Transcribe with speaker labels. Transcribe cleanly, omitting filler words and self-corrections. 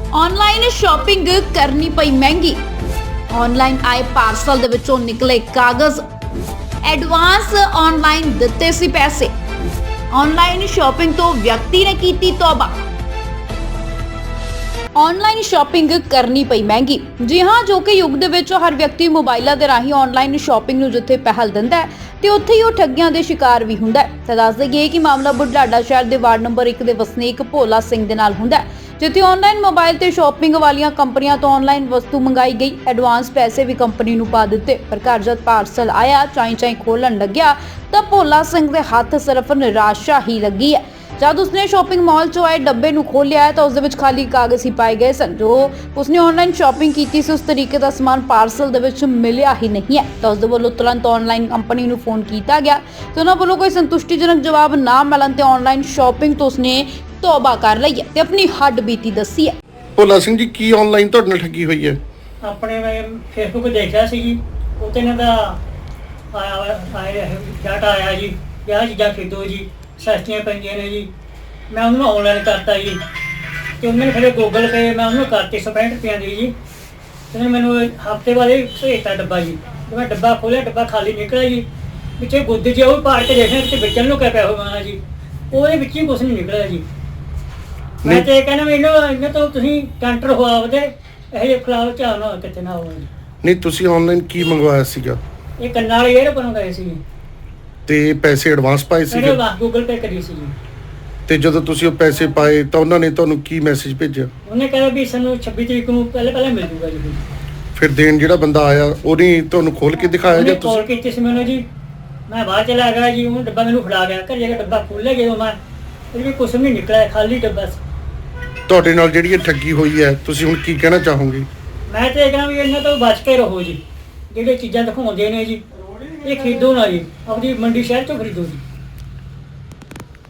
Speaker 1: Online shopping करनी पई महंगी। ऑनलाइन आए पार्सल दे विचों निकले कागज। एडवांस ऑनलाइन दिते सी पैसे। ऑनलाइन शॉपिंग तो व्यक्ति ने कीती तौबा। ऑनलाइन शॉपिंग करनी पई महंगी। जी हाँ, जो कि युग दे विच हर व्यक्ति मोबाइलों के राही ऑनलाइन शॉपिंग नूं जिथे पहल दिंदा है ते उत्थे ही वो ठगियां दे शिकार भी हुंदा है। ते दस दईए कि मामला बुढलाडा शहर दे वार्ड नंबर 1 दे वसनीक भोला सिंह दे नाल हुंदा है, जिथे ऑनलाइन मोबाइल ते शॉपिंग वालियां कंपनियां तो ऑनलाइन वस्तु मंगाई गई, एडवांस पैसे भी कंपनी नूं पा दिते, पर घर जद पार्सल आया चाई खोलन लग्या तां भोला सिंह दे हत्थ सिर्फ निराशा ही लगी है। जब उसने शॉपिंग मॉल चो आए डब्बे नूं खोलिया है तो उस दे विच खाली कागज ही पाए गए सन। जो उसने ऑनलाइन शॉपिंग की थी उस तरीके का समान पार्सल दे विच मिलिया ही नहीं है। तो उस दे वल्लों तुरंत ऑनलाइन कंपनी नूं फोन किया गया तो उन्हां वल्लों कोई संतुष्टिजनक जवाब ना मिलण ते ऑनलाइन शॉपिंग तो उसने तौबा कर लई है ते अपनी हੱਡ बीती दसी है।
Speaker 2: ਭੋਲਾ ਸਿੰਘ ਜੀ ਕੀ ਆਨਲਾਈਨ ਤੁਹਾਡੇ ਨਾਲ ਠੱਗੀ ਹੋਈ ਹੈ?
Speaker 3: ਆਪਣੇ ਮੈਂ ਫੇਸਬੁੱਕ ਦੇਖਿਆ ਸੀ ਜੀ, ਉਹ ਤੇ ਇਹਨਾਂ ਦਾ ਆਇਆ ਡਾਟਾ ਆਇਆ ਜੀ, ਆਹ ਚੀਜ਼ਾਂ ਖਰੀਦੋ ਜੀ, ਸਸਤੀਆਂ ਪੈਂਦੀਆਂ ਨੇ ਜੀ। ਮੈਂ ਉਹਨੂੰ ਆਨਲਾਈਨ ਕਰਤਾ ਜੀ ਤੇ ਉਹਨੇ ਫਿਰ ਗੂਗਲ ਪੇ ਮੈਂ ਉਹਨੂੰ ਕਰਤੀ 65 ਰੁਪਏ ਦੀ ਜੀ। ਤੇ ਮੈਨੂੰ ਹਫਤੇ ਬਾਅਦ ਭੇਜਤਾ ਡੱਬਾ ਜੀ। ਮੈਂ ਡੱਬਾ ਖੋਲ੍ਹਿਆ, ਡੱਬਾ ਖਾਲੀ ਨਿਕਲਿਆ ਜੀ। ਵਿੱਚੇ ਗੁੱਦ ਜੇ ਉਹ ਪਾੜ ਕੇ ਦੇਖਿਆ ਕਿ ਵਿੱਚੋਂ ਨੂੰ ਕਿਆ ਪਿਆ ਹੋਣਾ ਜੀ, ਉਹਦੇ ਵਿੱਚ ਹੀ ਕੁਛ ਨਹੀਂ ਨਿਕਲਿਆ ਜੀ। ਮੈਂ ਤੇ ਕਹਿੰਦਾ ਮੈਨੂੰ ਇਹਨਾਂ ਤੋਂ ਤੁਸੀਂ ਕੰਟਰ ਹੋਆਵਦੇ ਇਹ ਜਿਹੇ ਖਿਲਾਫ ਝਾਲ ਨਾ ਕਿਤੇ ਨਾ ਹੋਵੇ।
Speaker 2: ਨਹੀਂ ਤੁਸੀਂ ਆਨਲਾਈਨ ਕੀ ਮੰਗਵਾਇਆ ਸੀਗਾ?
Speaker 3: ਇਹ ਕੰਨਾਂ ਵਾਲੇ ਏਅਰਫੋਨ ਗਏ ਸੀ
Speaker 2: ਤੇ ਪੈਸੇ ਐਡਵਾਂਸ ਪਾਏ ਸੀਗੇ?
Speaker 3: ਇਹਨੇ ਬਸ ਗੂਗਲ ਪੇ ਕਰੀ ਸੀ ਜੀ।
Speaker 2: ਤੇ ਜਦੋਂ ਤੁਸੀਂ ਉਹ ਪੈਸੇ ਪਾਏ ਤਾਂ ਉਹਨਾਂ ਨੇ ਤੁਹਾਨੂੰ ਕੀ ਮੈਸੇਜ ਭੇਜਿਆ?
Speaker 3: ਉਹਨੇ ਕਿਹਾ ਵੀ ਸਾਨੂੰ 26 ਤਰੀਕ ਨੂੰ ਪਹਿਲੇ ਮਿਲ ਜੂਗਾ ਜੀ।
Speaker 2: ਫਿਰ ਦੇਣ ਜਿਹੜਾ ਬੰਦਾ ਆਇਆ ਉਹਨੇ ਤੁਹਾਨੂੰ ਖੋਲ ਕੇ ਦਿਖਾਇਆ ਜਾਂ
Speaker 3: ਕਾਲ ਕੀਤੀ ਸੀ ਮੈਨੂੰ ਜੀ। ਮੈਂ ਬਾਹਰ ਚਲਾ ਗਿਆ ਜੀ, ਉਹ ਡੱਬਾ ਮੈਨੂੰ ਫੜਾ ਗਿਆ। ਘਰ ਜਾ ਕੇ ਡੱਬਾ ਖੋਲ੍ਹਿਆ ਜਦੋਂ ਮੈਂ ਇਹਦੇ ਵਿੱਚ ਕੁਛ ਨਹੀਂ ਨਿਕਲਿਆ, ਖਾਲੀ ਡੱਬਾ ਸੀ।
Speaker 2: ਤੁਹਾਡੇ ਨਾਲ ਜਿਹੜੀ ਇਹ ਠੱਗੀ ਹੋਈ ਹੈ ਤੁਸੀਂ ਹੁਣ ਕੀ ਕਹਿਣਾ ਚਾਹੋਗੇ?
Speaker 3: ਮੈਂ ਤੇ ਇਹ ਕਹਿੰਦਾ ਵੀ ਇਹਨਾਂ ਤੋਂ ਬਚ ਕੇ ਰਹੋ ਜੀ। ਜਿਹੜੇ ਚੀਜ਼ਾਂ ਦਿਖਾਉਂਦੇ ਨੇ ਜੀ ਇਹ ਖਰੀਦੋ ਨਾ ਜੀ, ਆਪਣੀ ਮੰਡੀ ਸ਼ਹਿਰ ਚੋਂ ਖਰੀਦੋ ਜੀ।